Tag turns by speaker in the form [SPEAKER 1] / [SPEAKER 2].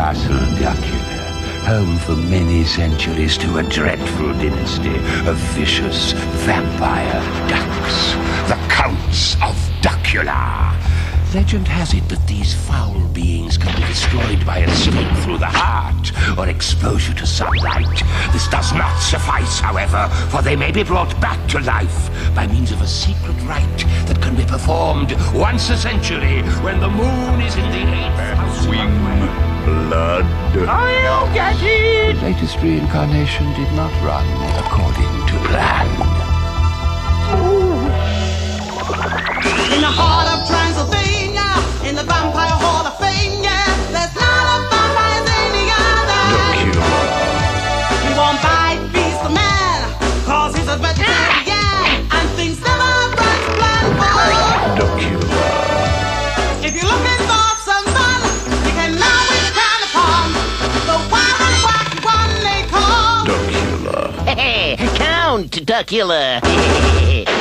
[SPEAKER 1] Castle Duckula, home for many centuries to a dreadful dynasty of vicious vampire ducks, the Counts of Duckula. Legend has it that these foul beings can be destroyed by a stake through the heart or exposure to sunlight. This does not suffice, however, for they may be brought back to life by means of a secret rite that can be performed once a century when the moon is in the 8th house.
[SPEAKER 2] Wing blood.
[SPEAKER 1] I'll get it! The latest reincarnation did not run according to plan.
[SPEAKER 3] In the heart of Transylvania, in the Vampire Hall of Fame, yeah, there's not a vampire as any other. He won't bite, beast the man, cause he's a vegetarian, and things never run to plan for. If you're looking for some fun, you can always count upon the wild and wacky one they call
[SPEAKER 2] Duckula.
[SPEAKER 4] Count Duckula.